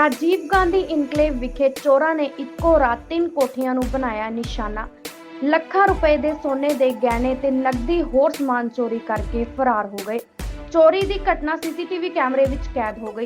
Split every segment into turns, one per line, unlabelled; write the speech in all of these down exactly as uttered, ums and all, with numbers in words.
Rajiv Gandhi enclave ਵਿਖੇ ਚੋਰਾਂ ਨੇ ਇੱਕੋ ਰਾਤ ਤਿੰਨ ਕੋਠੀਆਂ ਨੂੰ ਬਣਾਇਆ ਨਿਸ਼ਾਨਾ। ਲੱਖਾਂ ਰੁਪਏ ਦੇ ਸੋਨੇ ਦੇ ਗਹਿਣੇ ਤੇ ਨਕਦੀ ਹੋਰ ਸਮਾਨ ਚੋਰੀ ਕਰਕੇ ਫਰਾਰ ਹੋ ਗਏ। ਚੋਰੀ ਦੀ ਘਟਨਾ ਸੀਸੀਟੀਵੀ ਕੈਮਰੇ ਵਿੱਚ ਕੈਦ ਹੋ ਗਈ।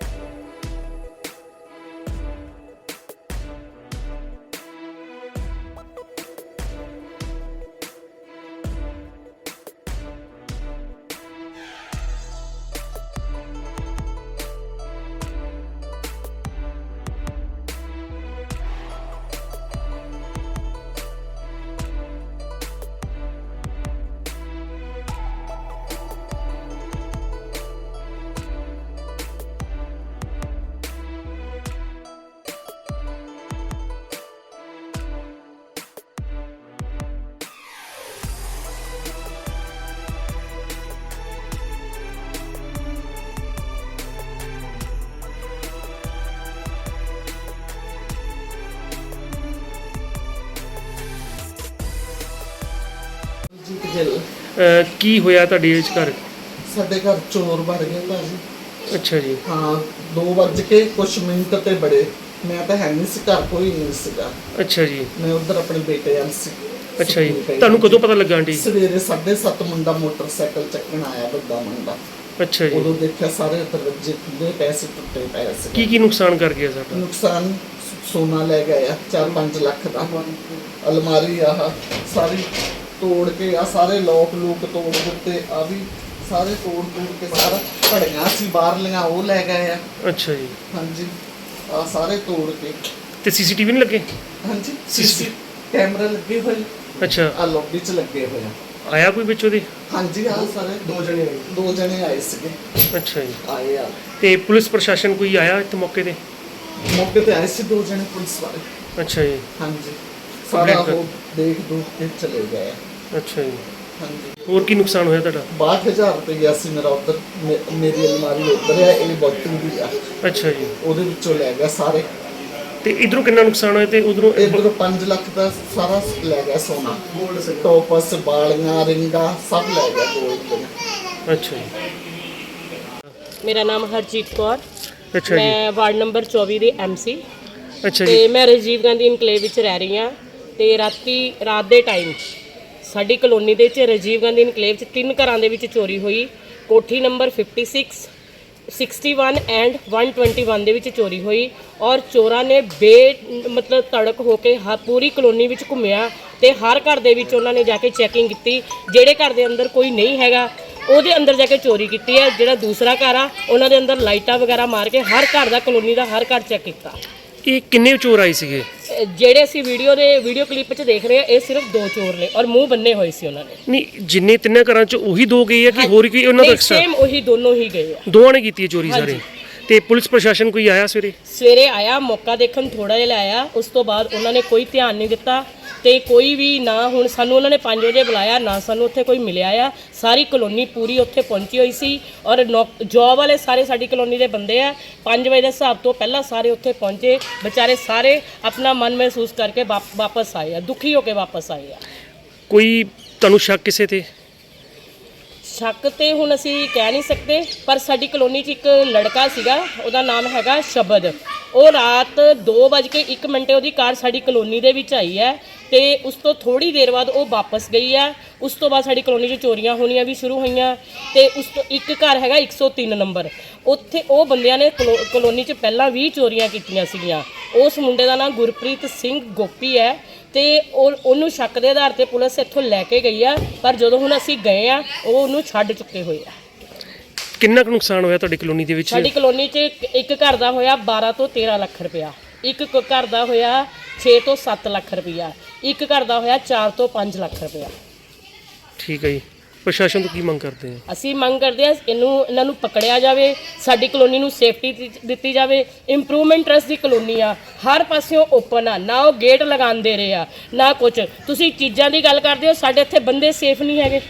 ਅਹ ਕੀ ਹੋਇਆ ਤੁਹਾਡੇ ਇਸ ਘਰ?
ਸਾਡੇ ਘਰ ਚੋਰ ਵੜ ਗਏ ਭਾਜੀ।
ਅੱਛਾ ਜੀ।
ਹਾਂ, ਦੋ ਵੱਜ ਕੇ ਕੁਛ ਮਿੰਟ ਤੇ ਬੜੇ। ਮੈਂ ਤਾਂ ਹੈ ਨਹੀਂ ਸੀ ਘਰ, ਕੋਈ ਨਹੀਂ ਸੀਗਾ।
ਅੱਛਾ ਜੀ।
ਮੈਂ ਉਧਰ ਆਪਣੇ ਬੇਟੇ ਵੱਲ ਸੀ।
ਅੱਛਾ ਜੀ, ਤੁਹਾਨੂੰ ਕਦੋਂ ਪਤਾ ਲੱਗਾ ਆਂਟੀ?
ਸਵੇਰੇ ਸਾਢੇ ਸੱਤ ਮੁੰਡਾ ਮੋਟਰਸਾਈਕਲ ਚੱਕਣ ਆਇਆ, ਵੱਡਾ ਮੁੰਡਾ।
ਅੱਛਾ ਜੀ।
ਉਦੋਂ ਦੇਖਿਆ ਸਾਰੇ ਦਰਵਾਜ਼ੇ ਖੁੱਲੇ ਪਏ ਸੀ, ਟੁੱਟੇ ਪਏ ਸੀ।
ਕੀ ਕੀ ਨੁਕਸਾਨ ਕਰ ਗਿਆ ਸਾਡਾ?
ਨੁਕਸਾਨ ਸੋਨਾ ਲੈ ਗਿਆ ਚਾਰ ਪੰਜ ਲੱਖ ਦਾ, ਅਲਮਾਰੀ ਆਹ ਸਾਰੀ ਤੋੜ ਕੇ, ਆ ਸਾਰੇ ਲੋਕ ਲੂਕ ਤੋੜ ਦਿੱਤੇ, ਆ ਵੀ ਸਾਰੇ ਤੋੜ ਤੋੜ ਕੇ, ਸਾਰਾ ਘੜੀਆਂ ਸੀ ਬਾਹਰਲੀਆਂ ਉਹ ਲੈ ਗਏ ਆ।
ਅੱਛਾ ਜੀ।
ਹਾਂਜੀ, ਆ ਸਾਰੇ ਤੋੜ ਕੇ।
ਤੇ ਸੀਸੀਟੀਵੀ ਨਹੀਂ ਲੱਗੇ?
ਹਾਂਜੀ, ਸੀਸੀ ਕੈਮਰਾ ਲੱਗੇ ਹੋਏ।
ਅੱਛਾ,
ਆ ਲੌਬੀ 'ਚ ਲੱਗੇ ਹੋਏ ਆ।
ਆਇਆ ਕੋਈ ਵਿੱਚੋਂ ਦੀ?
ਹਾਂਜੀ, ਆ ਸਾਰੇ ਦੋ ਜਣੇ ਦੋ ਜਣੇ ਆਏ ਸੀਗੇ।
ਅੱਛਾ ਜੀ।
ਆਏ ਆ
ਤੇ ਪੁਲਿਸ ਪ੍ਰਸ਼ਾਸਨ ਕੋਈ ਆਇਆ ਇੱਥੇ ਮੌਕੇ ਤੇ?
ਮੌਕੇ ਤੇ ਆਏ ਸੀ ਦੋ ਜਣੇ ਪੁਲਿਸ ਵਾਲੇ।
ਅੱਛਾ ਜੀ।
ਹਾਂਜੀ, ਸਾਰਾ ਉਹ ਦੇਖ ਦੂਖ ਕੇ ਚਲੇ ਗਏ।
ਅੱਛਾ ਜੀ।
ਹਾਂਜੀ।
ਹੋਰ ਕੀ ਨੁਕਸਾਨ ਹੋਇਆ ਤੁਹਾਡਾ?
ਬਾਹਠ ਹਜ਼ਾਰ ਰੁਪਇਆ ਸੀ ਮੇਰਾ ਉੱਧਰ, ਮੇਰੀ ਅਲਮਾਰੀ ਉੱਧਰ ਹੈ, ਇਹ ਬੋਤਲ ਦੀ ਆ।
ਅੱਛਾ ਜੀ।
ਉਹਦੇ ਵਿੱਚੋਂ ਲੈ ਗਿਆ ਸਾਰੇ।
ਤੇ ਇਧਰੋਂ ਕਿੰਨਾ ਨੁਕਸਾਨ ਹੋਇਆ ਤੇ ਉਧਰੋਂ?
ਇਧਰੋਂ ਪੰਜ ਲੱਖ ਦਾ ਸਾਰਾ ਲੈ ਗਿਆ ਸੋਨਾ, ਗੋਲਡ, ਟੋਪਸ, ਬਾਲੀਆਂ, ਰਿੰਗਾਂ ਸਭ ਲੈ ਗਿਆ ਗੋਲਡ ਦੀਆਂ।
ਅੱਛਾ ਜੀ।
ਮੇਰਾ ਨਾਮ ਹਰਜੀਤ ਕੌਰ।
ਅੱਛਾ ਜੀ।
ਮੈਂ ਵਾਰਡ ਨੰਬਰ ਚੌਵੀ ਦੀ ਐਮਸੀ।
ਅੱਛਾ
ਤੇ
ਜੀ।
ਮੈਂ ਰਾਜੀਵ ਗਾਂਧੀ ਇਨਕਲੇਵ ਵਿੱਚ ਰਹਿ ਰਹੀ ਹਾਂ। ਤੇ ਰਾਤੀ ਰਾਤ ਦੇ ਟਾਈਮ ਸਾਡੀ ਕਲੋਨੀ ਦੇ ਵਿੱਚ ਰਾਜੀਵ ਗਾਂਧੀ ਇਨਕਲੇਵ 'ਚ ਤਿੰਨ ਘਰਾਂ ਦੇ ਵਿੱਚ ਚੋਰੀ ਹੋਈ। ਕੋਠੀ ਨੰਬਰ ਛਪਨ, ਇਕਸਠ ਐਂਡ ਇੱਕ ਸੌ ਇਕੱਤੀ ਦੇ ਵਿੱਚ ਚੋਰੀ ਹੋਈ। ਔਰ ਚੋਰਾਂ ਨੇ ਬੇ ਮਤਲਬ ਤੜਕ ਹੋ ਕੇ ਹ ਪੂਰੀ ਕਲੋਨੀ ਵਿੱਚ ਘੁੰਮਿਆ ਤੇ ਹਰ ਘਰ ਦੇ ਵਿੱਚ ਉਹਨਾਂ ਨੇ ਜਾ ਕੇ ਚੈਕਿੰਗ ਕੀਤੀ। ਜਿਹੜੇ ਘਰ ਦੇ ਅੰਦਰ ਕੋਈ ਨਹੀਂ ਹੈਗਾ ਉਹਦੇ ਅੰਦਰ ਜਾ ਕੇ ਚੋਰੀ ਕੀਤੀ ਹੈ। ਜਿਹੜਾ ਦੂਸਰਾ ਘਰ ਆ ਉਹਨਾਂ ਦੇ ਅੰਦਰ ਲਾਈਟਾਂ ਵਗੈਰਾ ਮਾਰ ਕੇ ਹਰ ਘਰ ਦਾ, ਕਲੋਨੀ ਦਾ ਹਰ ਘਰ ਚੈੱਕ ਕੀਤਾ।
ਇਹ ਕਿੰਨੇ ਚੋਰ ਆਏ ਸੀਗੇ?
ਜਿਹੜੇ ਅਸੀਂ ਵੀਡੀਓ ਦੇ ਵੀਡੀਓ ਕਲਿੱਪ 'ਚ ਦੇਖ ਰਹੇ ਆ, ਇਹ ਸਿਰਫ ਦੋ ਚੋਰ ਨੇ ਔਰ ਮੂੰਹ ਬੰਨੇ ਹੋਏ ਸੀ ਉਹਨਾਂ ਨੇ।
ਨਹੀਂ, ਜਿੰਨੇ ਤਿੰਨਾਂ ਘਰਾਂ 'ਚ ਉਹੀ ਦੋ ਗਏ ਆ ਕਿ ਹੋਰ ਕੋਈ ਉਹਨਾਂ ਦਾ?
ਸੇਮ ਉਹੀ ਦੋਨੋਂ ਹੀ ਗਏ ਆ।
ਦੋਵਾਂ ਨੇ ਕੀਤੀ ਹੈ ਚੋਰੀ ਸਾਰੇ? ਤੇ ਪੁਲਿਸ ਪ੍ਰਸ਼ਾਸਨ ਕੋਈ ਆਇਆ ਸਵੇਰੇ?
ਸਵੇਰੇ ਆਇਆ, ਮੌਕਾ ਦੇਖਣ ਥੋੜਾ ਜਿਹਾ ਆਇਆ। ਉਸ ਤੋਂ ਬਾਅਦ ਉਹਨਾਂ ਨੇ ਕੋਈ ਧਿਆਨ ਨਹੀਂ ਦਿੱਤਾ ਤੇ ਕੋਈ ਵੀ ਨਾ। ਹੁਣ ਸਾਨੂੰ ਉਹਨਾਂ ਨੇ ਪੰਜ ਵਜੇ ਬੁਲਾਇਆ, ਨਾ ਸਾਨੂੰ ਉੱਥੇ ਕੋਈ ਮਿਲਿਆ ਆ। ਸਾਰੀ ਕਲੋਨੀ ਪੂਰੀ ਉੱਥੇ ਪਹੁੰਚੀ ਹੋਈ ਸੀ ਔਰ ਜੌਬ ਵਾਲੇ ਸਾਰੇ ਸਾਡੀ ਕਲੋਨੀ ਦੇ ਬੰਦੇ ਆ। ਪੰਜ ਵਜੇ ਦੇ ਹਿਸਾਬ ਤੋਂ ਪਹਿਲਾਂ ਸਾਰੇ ਉੱਥੇ ਪਹੁੰਚੇ। ਵਿਚਾਰੇ ਸਾਰੇ ਆਪਣਾ ਮਨ ਮਹਿਸੂਸ ਕਰਕੇ ਵਾਪਸ ਆਏ ਆ, ਦੁਖੀ ਹੋ ਕੇ ਵਾਪਸ ਆਏ ਆ।
ਕੋਈ ਤੁਹਾਨੂੰ ਸ਼ੱਕ ਕਿਸੇ ਤੇ?
ਸ਼ੱਕ ਤੇ ਹੁਣ ਅਸੀਂ ਕਹਿ ਨਹੀਂ ਸਕਦੇ, ਪਰ ਸਾਡੀ ਕਲੋਨੀ 'ਚ ਇੱਕ ਲੜਕਾ ਸੀਗਾ, ਉਹਦਾ ਨਾਮ ਹੈਗਾ ਸ਼ਬਦ। ਉਹ ਰਾਤ ਦੋ ਵੱਜ ਕੇ ਇੱਕ ਮਿੰਟੇ ਉਹਦੀ ਕਾਰ ਸਾਡੀ ਕਲੋਨੀ ਦੇ ਵਿੱਚ ਆਈ ਹੈ ਤੇ ਉਸ ਤੋਂ ਥੋੜੀ ਦੇਰ ਬਾਅਦ ਉਹ ਵਾਪਸ ਗਈ ਆ। ਉਸ ਤੋਂ ਬਾਅਦ ਸਾਡੀ ਕਲੋਨੀ 'ਚ ਚੋਰੀਆਂ ਹੋਣੀਆਂ ਵੀ ਸ਼ੁਰੂ ਹੋਈਆਂ। ਤੇ ਉਸ ਤੋਂ ਇੱਕ ਘਰ ਹੈਗਾ ਇੱਕ ਸੌ ਤਿੰਨ ਨੰਬਰ, ਉੱਥੇ ਉਹ ਬੰਦਿਆਂ ਨੇ ਕਲੋ ਕਲੋਨੀ 'ਚ ਪਹਿਲਾਂ ਵੀ ਚੋਰੀਆਂ ਕੀਤੀਆਂ ਸੀਗੀਆਂ। ਉਸ ਮੁੰਡੇ ਦਾ ਨਾਮ ਗੁਰਪ੍ਰੀਤ ਸਿੰਘ ਗੋਪੀ ਹੈ ਤੇ ਉਹ ਉਹਨੂੰ ਸ਼ੱਕ ਦੇ ਆਧਾਰ ਤੇ ਪੁਲਿਸ ਇੱਥੋਂ ਲੈ ਕੇ ਗਈ ਆ। ਪਰ ਜਦੋਂ ਹੁਣ ਅਸੀਂ ਗਏ ਆ, ਉਹ ਉਹਨੂੰ ਛੱਡ ਚੁੱਕੇ ਹੋਏ ਆ।
ਕਿੰਨਾ ਕੁ ਨੁਕਸਾਨ ਹੋਇਆ ਤੁਹਾਡੀ ਕਲੋਨੀ ਦੇ ਵਿੱਚ?
ਸਾਡੀ ਕਲੋਨੀ 'ਚ ਇੱਕ ਘਰ ਦਾ ਹੋਇਆ ਬਾਰਾਂ ਤੋਂ ਤੇਰਾਂ ਲੱਖ ਰੁਪਇਆ, ਇੱਕ ਘਰ ਦਾ ਹੋਇਆ ਛੇ ਤੋਂ ਸੱਤ ਲੱਖ ਰੁਪਇਆ, ਇੱਕ ਘਰ ਦਾ ਹੋਇਆ ਚਾਰ ਤੋਂ ਪੰਜ ਲੱਖ ਰੁਪਇਆ।
ਠੀਕ ਹੈ ਜੀ। ਪ੍ਰਸ਼ਾਸਨ ਤੋਂ ਕੀ ਮੰਗ ਕਰਦੇ ਆ?
ਅਸੀਂ ਮੰਗ ਕਰਦੇ ਹਾਂ ਇਹਨੂੰ ਇਹਨਾਂ ਨੂੰ ਪਕੜਿਆ ਜਾਵੇ, ਸਾਡੀ ਕਲੋਨੀ ਨੂੰ ਸੇਫਟੀ ਦਿੱਤੀ ਜਾਵੇ। ਇੰਪਰੂਵਮੈਂਟ ਟਰਸਟ ਦੀ ਕਲੋਨੀ ਆ, ਹਰ ਪਾਸਿਓਂ ਓਪਨ ਆ, ਨਾ ਉਹ ਗੇਟ ਲਗਾਉਂਦੇ ਰਹੇ ਆ ਨਾ ਕੁਝ। ਤੁਸੀਂ ਚੀਜ਼ਾਂ ਦੀ ਗੱਲ ਕਰਦੇ ਹੋ, ਸਾਡੇ ਇੱਥੇ ਬੰਦੇ ਸੇਫ ਨਹੀਂ ਹੈਗੇ।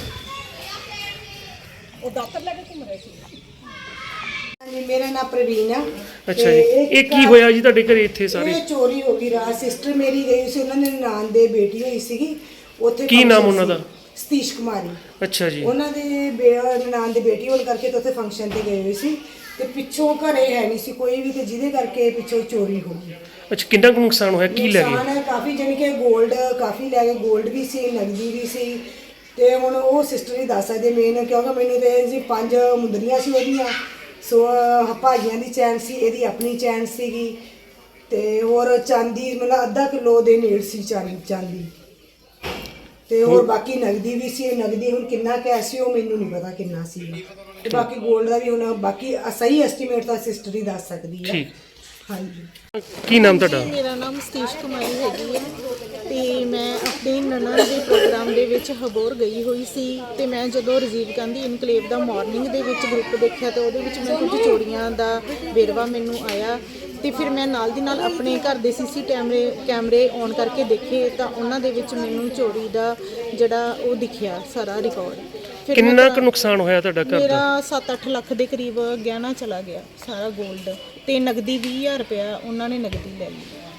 ਉਹ ਦਾਤਰ ਲੈ ਕੇ ਘੁੰਮ ਰਹੇ ਸੀ।
ਹਾਂਜੀ, ਮੇਰਾ ਨਾਮ ਪ੍ਰਵੀਨ ਆ।
ਅੱਛਾ ਜੀ। ਇਹ ਕੀ ਹੋਇਆ ਜੀ ਤੁਹਾਡੇ ਘਰੇ ਇੱਥੇ ਸਾਰੇ?
ਇਹ ਚੋਰੀ ਹੋ ਗਈ ਰਾਤ। ਸਿਸਟਰ ਮੇਰੀ ਗਈ ਸੀ, ਉਹਨਾਂ ਦੇ ਨਾਨ ਦੇ ਬੇਟੀ ਹੋਈ ਸੀਗੀ ਉੱਥੇ।
ਕੀ ਨਾਮ ਉਹਨਾਂ ਦਾ?
ਸਤੀਸ਼ ਕੁਮਾਰੀ।
ਅੱਛਾ ਜੀ।
ਉਹਨਾਂ ਦੇ ਨਨਾਣ ਦੇ ਬੇਟੀ ਹੋਣ ਕਰਕੇ ਤੇ ਉੱਥੇ ਫੰਕਸ਼ਨ ਤੇ ਗਏ ਹੋਏ ਸੀ ਤੇ ਪਿੱਛੋਂ ਘਰੇ ਹੈ ਨਹੀਂ ਸੀ ਕੋਈ ਵੀ ਤੇ ਜਿਹਦੇ ਕਰਕੇ ਪਿੱਛੋਂ ਚੋਰੀ ਹੋ ਗਈ।
ਅੱਛਾ, ਕਿੰਨਾ ਕੁ ਨੁਕਸਾਨ ਹੋਇਆ, ਕੀ ਲੈ
ਨੁਕਸਾਨ
ਗਏ?
ਹੈ ਕਾਫੀ, ਜਾਣੀ ਕਿ ਗੋਲਡ ਕਾਫੀ ਲੈ ਗਏ, ਗੋਲਡ ਵੀ ਸੀ, ਨਗਦੀ ਵੀ ਸੀ। ਤੇ ਹੁਣ ਉਹ ਸਿਸਟਰ ਹੀ ਦੱਸ ਸਕਦੇ ਮੇਨ, ਕਿਉਂਕਿ ਮੈਨੂੰ ਤੇ ਜੀ ਪੰਜ ਮੁੰਦਰੀਆਂ ਸੀ ਉਹਦੀਆਂ, ਸੋ ਅਹ, ਭਾਈਆਂ ਦੀ ਚੈਨ ਸੀ, ਇਹਦੀ ਆਪਣੀ ਚੈਨ ਸੀਗੀ ਤੇ ਹੋਰ ਚਾਂਦੀ ਮਤਲਬ ਅੱਧਾ ਕਿਲੋ ਦੇ ਨੇੜ ਸੀ ਚਾਂਦੀ ਚਾਂਦੀ ਤੇ ਹੋਰ ਬਾਕੀ ਨਗਦੀ ਵੀ ਸੀ। ਨਗਦੀ ਹੁਣ ਕਿੰਨਾ ਕੈਸ਼ ਸੀ ਉਹ ਮੈਨੂੰ ਨਹੀਂ ਪਤਾ ਕਿੰਨਾ ਸੀ, ਤੇ ਬਾਕੀ ਗੋਲਡ ਦਾ ਵੀ ਹੁਣ ਬਾਕੀ ਸਹੀ ਐਸਟੀਮੇਟ ਤਾਂ ਸਿਸਟਰ ਹੀ ਦੱਸ ਸਕਦੀ ਹੈ।
ਠੀਕ।
ਹਾਂਜੀ।
ਕੀ ਨਾਮ ਤੁਹਾਡਾ?
ਮੇਰਾ ਨਾਮ ਸਤੀਸ਼ ਕੁਮਾਰੀ ਹੈਗੀ ਹੈ ਤੇ ਮੈਂ ਆਪਣੇ ਨਣਨ ਦੇ ਪ੍ਰੋਗਰਾਮ ਦੇ ਵਿੱਚ ਹਬੋਰ ਗਈ ਹੋਈ ਸੀ ਤੇ ਮੈਂ ਜਦੋਂ ਰਾਜੀਵ ਗਾਂਧੀ ਇਨਕਲੇਵ ਦਾ ਮਾਰਨਿੰਗ ਦੇ ਵਿੱਚ ਗਰੁੱਪ ਦੇਖਿਆ ਤੇ ਉਹਦੇ ਵਿੱਚ ਮੈਂ ਕੁਝ ਚੋਰੀਆਂ ਦਾ ਵੇਰਵਾ ਮੈਨੂੰ ਆਇਆ ਤੇ ਫਿਰ ਮੈਂ ਨਾਲ ਦੀ ਨਾਲ ਆਪਣੇ ਘਰ ਦੇ ਸੀਸੀ ਕੈਮਰੇ ਕੈਮਰੇ ਔਨ ਕਰਕੇ ਦੇਖੇ ਤਾਂ ਉਹਨਾਂ ਦੇ ਵਿੱਚ ਮੈਨੂੰ ਚੋਰੀ ਦਾ ਜਿਹੜਾ ਉਹ ਦਿਖਿਆ ਸਾਰਾ ਰਿਕਾਰਡ। ਫਿਰ ਮੈਂ
ਕਿੰਨਾ ਕੁ
ਘਰਾਂ-
ਨੁਕਸਾਨ ਹੋਇਆ ਤੁਹਾਡਾ ਘਰ ਦਾ?
ਮੇਰਾ ਸੱਤ ਅੱਠ ਲੱਖ ਦੇ ਕਰੀਬ ਗਹਿਣਾ ਚਲਾ ਗਿਆ, ਸਾਰਾ 골ਡ ਤੇ ਨਗਦੀ ਵੀਹ ਹਜ਼ਾਰ ਰੁਪਇਆ ਉਹਨਾਂ ਨੇ ਨਗਦੀ ਲੈ ਲਈ।